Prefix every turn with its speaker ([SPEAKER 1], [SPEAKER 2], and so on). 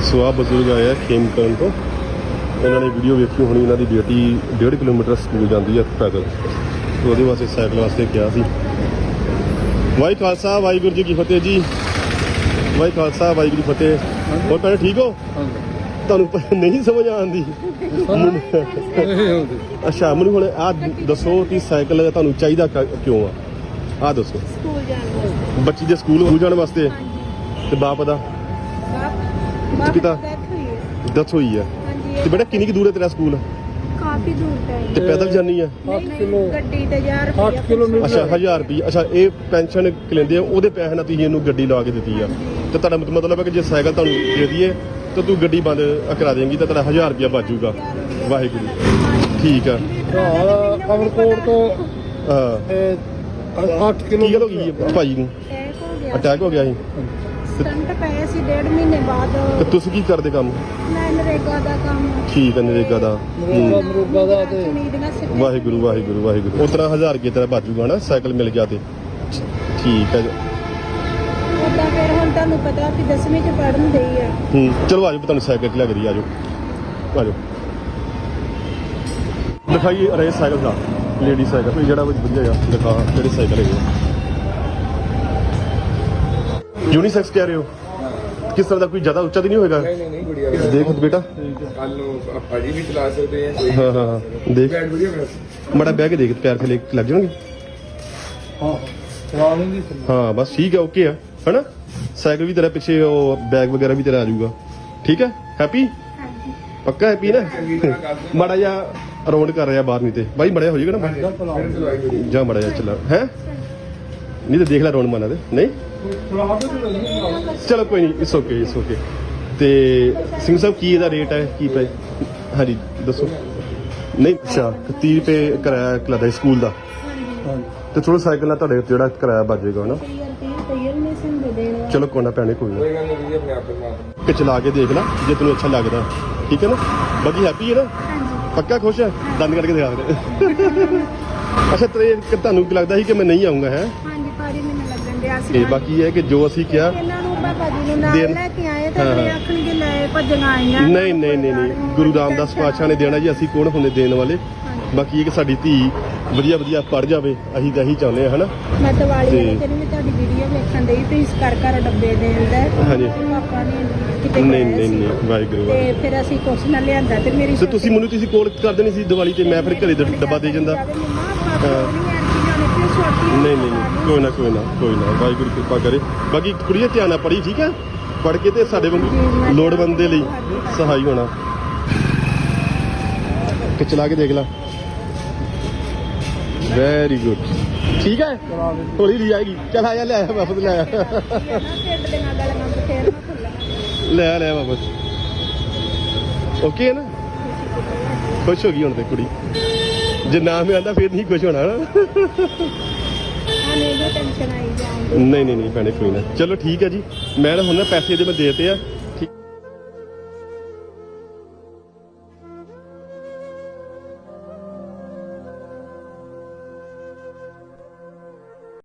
[SPEAKER 1] ਸੋ ਆ ਬਜ਼ੁਰਗ ਆਇਆ ਖੇਮਕਰਨ ਤੋਂ, ਇਹਨਾਂ ਨੇ ਵੀਡੀਓ ਵੇਖੀ ਹੋਣੀ। ਇਹਨਾਂ ਦੀ ਬੇਟੀ 1.5 ਕਿਲੋਮੀਟਰ ਸਕੂਲ ਜਾਂਦੀ ਹੈ ਪੈਦਲ, ਤੇ ਉਹਦੇ ਵਾਸਤੇ ਸਾਈਕਲ ਵਾਸਤੇ ਕਿਹਾ ਸੀ। ਵਾਹਿ ਖਾਲਸਾ ਵਾਹਿਗੁਰੂ ਜੀ ਕੀ ਫਤਿਹ ਜੀ। ਵਾਹਿ ਖਾਲਸਾ ਵਾਹਿਗੁਰੂ ਜੀ ਫਤਿਹ। ਹੋਰ ਭੈਣੇ ਠੀਕ ਹੋ? ਤੁਹਾਨੂੰ ਨਹੀਂ ਸਮਝ ਆਉਂਦੀ? ਅੱਛਾ, ਮੈਨੂੰ ਹੁਣ ਆਹ ਦੱਸੋ ਕਿ ਸਾਈਕਲ ਤੁਹਾਨੂੰ ਚਾਹੀਦਾ ਕਿਉਂ ਆ? ਆਹ ਦੱਸੋ।
[SPEAKER 2] ਸਕੂਲ ਜਾਣ ਵਾਸਤੇ,
[SPEAKER 1] ਬੱਚੀ ਦੇ ਸਕੂਲ ਜਾਣ ਵਾਸਤੇ। ਤੇ ਬਾਪ ਦਾ ਪਿਤਾ ਡੈਥ ਹੋਈ ਹੈ। ਤੇ ਬੇਟਾ ਕਿੰਨੀ ਕੁ ਦੂਰ ਹੈ ਤੇਰਾ ਸਕੂਲ?
[SPEAKER 2] ਕਾਫੀ ਦੂਰ ਪੈ
[SPEAKER 1] ਤੇ ਪੈਦਲ ਜਾਨੀ ਆ?
[SPEAKER 2] 8 ਕਿਲੋ ਗੱਡੀ ਤੇ 1000 ਰੁਪਏ।
[SPEAKER 1] ਅੱਛਾ 1000 ਰੁਪਏ। ਅੱਛਾ, ਇਹ ਪੈਨਸ਼ਨ ਲੈਂਦੇ ਆ, ਉਹਦੇ ਪੈਸੇ ਨਾਲ ਤੁਸੀਂ ਇਹਨੂੰ ਗੱਡੀ ਲਾ ਕੇ ਦਿੱਤੀ ਆ। ਤੇ ਤੁਹਾਡਾ ਮਤਲਬ ਹੈ ਕਿ ਜੇ ਸਾਈਕਲ ਤੁਹਾਨੂੰ ਦੇ ਦਈਏ ਤਾਂ ਤੂੰ ਗੱਡੀ ਬੰਦ ਕਰਾ ਦੇਂਗੀ ਤਾਂ ਤੁਹਾਡਾ 1000 ਰੁਪਇਆ ਬਚ ਜਾਊਗਾ। ਵਾਹਿਗੁਰੂ। ਠੀਕ ਆ।
[SPEAKER 3] ਅਮਰਕੋਟ ਤੋਂ
[SPEAKER 1] ਹਾਂ
[SPEAKER 3] 8 ਕਿਲੋ
[SPEAKER 1] ਕੀ ਗੱਲ ਹੋ ਗਈ ਭਾਈ ਨੂੰ? ਅਟੈਕ ਹੋ ਗਿਆ ਸੀ?
[SPEAKER 2] ਸਟੰਟ ਪਏ ਸੀ 1.5 ਮਹੀਨੇ ਬਾਅਦ।
[SPEAKER 1] ਤੇ ਤੁਸੀਂ ਕੀ ਕਰਦੇ ਕੰਮ?
[SPEAKER 2] ਮੈਂ ਨਰੇਗਾ ਦਾ ਕੰਮ।
[SPEAKER 1] ਠੀਕ ਹੈ, ਨਰੇਗਾ ਦਾ।
[SPEAKER 3] ਮਰੂਗਾ ਦਾ ਤੇ
[SPEAKER 1] ਵਾਹਿਗੁਰੂ ਵਾਹਿਗੁਰੂ ਵਾਹਿਗੁਰੂ। ਉਸ ਤਰ੍ਹਾਂ 1000 ਰੁਪਏ ਤੇਰਾ ਬਚ ਜਾਊਗਾ ਨਾ, ਸਾਈਕਲ ਮਿਲ ਗਿਆ ਤੇ। ਠੀਕ ਹੈ।
[SPEAKER 2] ਉਹਦਾ ਫਿਰ ਹੁਣ ਤੁਹਾਨੂੰ ਪਤਾ ਕਿ 10ਵੀਂ ਚ ਪੜ੍ਹਨ ਦੇ ਆ।
[SPEAKER 1] ਚਲੋ ਆਜੋ, ਤੁਹਾਨੂੰ ਸਾਈਕਲ ਤੇ ਲੱਗ ਰਹੀ। ਆਜੋ ਆਜੋ, ਦਿਖਾਈਏ ਅਰੇ ਸਾਈਕਲ ਦਾ, ਲੇਡੀ ਸਾਈਕਲ ਜਿਹੜਾ ਵਧੀਆ ਆ। ਦਿਖਾ ਕਿਹੜੇ ਸਾਈਕਲ ਹੈਗੇ? यूनिसेक्स कह रहे हो? किस तरह का कोई ज्यादा ऊंचा तो नहीं होगा?
[SPEAKER 3] ਨਹੀਂ ਗੁੜੀਆ
[SPEAKER 1] देख बेटा।
[SPEAKER 3] ਕੱਲ ਨੂੰ ਭਾਜੀ ਵੀ ਚਲਾ ਸਕਦੇ ਆ।
[SPEAKER 1] हाँ हाँ हाँ देख,
[SPEAKER 3] ਬੈਠ ਵਧੀਆ
[SPEAKER 1] बड़ा बैग देख, पैर थले लग जाएंगे।
[SPEAKER 3] ਹਾਂ ਚਲਾ ਲੈਂਦੀ।
[SPEAKER 1] हाँ बस ठीक है, ओके है ना? साइकिल भी तेरा पीछे, बैग वगैरह भी तेरा आ जाऊगा। ठीक है, हैप्पी? पक्का हैप्पी ना? माड़ा जा राउंड कर रहा बाहर, नहीं तो भाई बड़ा हो जाएगा ना। जा माड़ा जा चला है, नहीं तो देख ला राउंड मारना। नहीं चलो कोई नहीं, इट्स ओके इट्स ओके। ਤੇ ਸਿੰਘ ਸਾਹਿਬ ਕੀ ਇਹਦਾ ਰੇਟ ਹੈ, ਕੀ ਪਏ? ਹਾਂਜੀ ਦੱਸੋ। ਨਹੀਂ ਅੱਛਾ 30 ਰੁਪਏ ਕਿਰਾਇਆ ਲੱਗਦਾ ਸਕੂਲ ਦਾ। ਤੇ ਥੋੜਾ ਸਾਈਕਲ ਨਾਲ ਤੁਹਾਡੇ ਜਿਹੜਾ ਕਿਰਾਇਆ ਬਚ ਜਾਏਗਾ ਨਾ। ਚਲੋ ਕੋਈ ਨਾ ਭੈਣੇ, ਕੋਈ ਨਾ ਕਿ ਚਲਾ ਕੇ ਦੇਖ ਲੈ ਜੇ ਤੈਨੂੰ ਅੱਛਾ ਲੱਗਦਾ। ਠੀਕ ਹੈ ਨਾ? ਬਾਕੀ ਹੈਪੀ ਹੈ ਨਾ? ਪੱਕਾ ਖੁਸ਼ ਹੈ? ਦੰਦ ਕੱਢ ਕੇ ਦਿਖਾ ਦੇ। ਅੱਛਾ ਤੇ ਤੁਹਾਨੂੰ ਕੀ ਲੱਗਦਾ ਸੀ ਕਿ ਮੈਂ ਨਹੀਂ ਆਉਂਗਾ? ਹੈ
[SPEAKER 2] ਹਾਂਜੀ ਭਾਜੀ, ਮੈਨੂੰ ਲੱਗਣ ਡਿਆ ਸੀ।
[SPEAKER 1] ਤੇ ਬਾਕੀ ਇਹ ਕਿ ਜੋ ਅਸੀਂ ਕਿਹਾ
[SPEAKER 2] ਇਹਨਾਂ ਨੂੰ ਬਾਬਾ ਜੀ ਨੂੰ ਨਾਲ ਲੈ ਕੇ ਆਏ ਤਾਂ ਅਗਲੇ ਆਖਣਗੇ ਲੈ ਭੱਜੀਆਂ ਆਈਆਂ।
[SPEAKER 1] ਨਹੀਂ ਨਹੀਂ ਨਹੀਂ ਨਹੀਂ, ਗੁਰੂ ਰਾਮਦਾਸ ਪਾਤਸ਼ਾਹ ਨੇ ਦੇਣਾ ਜੀ, ਅਸੀਂ ਕੌਣ ਹੁੰਦੇ ਦੇਣ ਵਾਲੇ। ਬਾਕੀ ਇਹ ਕਿ ਸਾਡੀ ਧੀ ਵਧੀਆ ਵਧੀਆ ਪੜ ਜਾਵੇ, ਅਸੀਂ ਤਾਂ ਇਹੀ ਚਾਹੁੰਦੇ ਹਾਂ। ਹਨਾ?
[SPEAKER 2] ਮੈਂ ਦੀਵਾਲੀ ਦੇ ਦਿਨ ਵੀ ਤੁਹਾਡੀ ਵੀਡੀਓ ਵੇਖਣ ਡਈ ਤੇ ਇਸ ਘਰ ਡੱਬੇ ਦੇਂਦਾ।
[SPEAKER 1] ਹਾਂਜੀ।
[SPEAKER 2] ਪਾਪਾ ਨੇ ਕਿਤੇ
[SPEAKER 1] ਨਹੀਂ ਨਹੀਂ ਨਹੀਂ, ਵਾਹਿਗੁਰੂ
[SPEAKER 2] ਤੇ ਫਿਰ ਅਸੀਂ ਕੁਛ ਨਾ ਲਿਆਂਦਾ ਤੇ ਮੇਰੀ
[SPEAKER 1] ਤੇ ਤੁਸੀਂ ਮੈਨੂੰ ਤੁਸੀਂ ਕੋਲ ਕਰ ਦੇਣੀ ਸੀ ਦੀਵਾਲੀ ਤੇ, ਮੈਂ ਫਿਰ ਘਰੇ ਡੱਬਾ ਦੇ ਜਾਂਦਾ। ਨਹੀਂ ਨਹੀਂ ਨਹੀਂ, ਕੋਈ ਨਾ ਕੋਈ ਨਾ ਕੋਈ ਨਾ, ਵਾਹਿਗੁਰੂ ਕਿਰਪਾ ਕਰੇ। ਬਾਕੀ ਕੁੜੀਏ ਧਿਆਨ ਨਾਲ ਪੜ੍ਹੀ, ਠੀਕ ਹੈ? ਪੜ੍ਹ ਕੇ ਤੇ ਸਾਡੇ ਵਾਂਗੂ ਲੋੜਵੰਦ ਦੇ ਲਈ ਸਹਾਈ ਹੋਣਾ। ਕਿ ਚਲਾ ਕੇ ਦੇਖ ਲਾ। Very good. ਠੀਕ ਹੈ, ਹੌਲੀ ਹੌਲੀ ਆਏਗੀ। ਚੱਲ ਆ ਜਾ, ਲੈ ਆਇਆ ਵਾਪਸ, ਲੈ ਆਇਆ ਲੈ ਆ ਲੈ ਵਾਪਸ। ਓਕੇ ਹੈ ਨਾ? ਖੁਸ਼ ਹੋ ਗਈ ਹੁਣ ਤੇ ਕੁੜੀ। ਜੇ ਨਾ ਮੈਂ ਆਂਦਾ ਫਿਰ ਨਹੀਂ ਖੁਸ਼ ਹੋਣਾ ਨਾ। ਨਹੀਂ ਨਹੀਂ ਨਹੀਂ ਭੈਣੇ, ਕੋਈ ਨਾ। ਚਲੋ ਠੀਕ ਹੈ ਜੀ, ਮੈਂ ਹੁਣ ਨਾ ਪੈਸੇ ਜੇ ਮੈਂ ਦੇਤੇ ਆ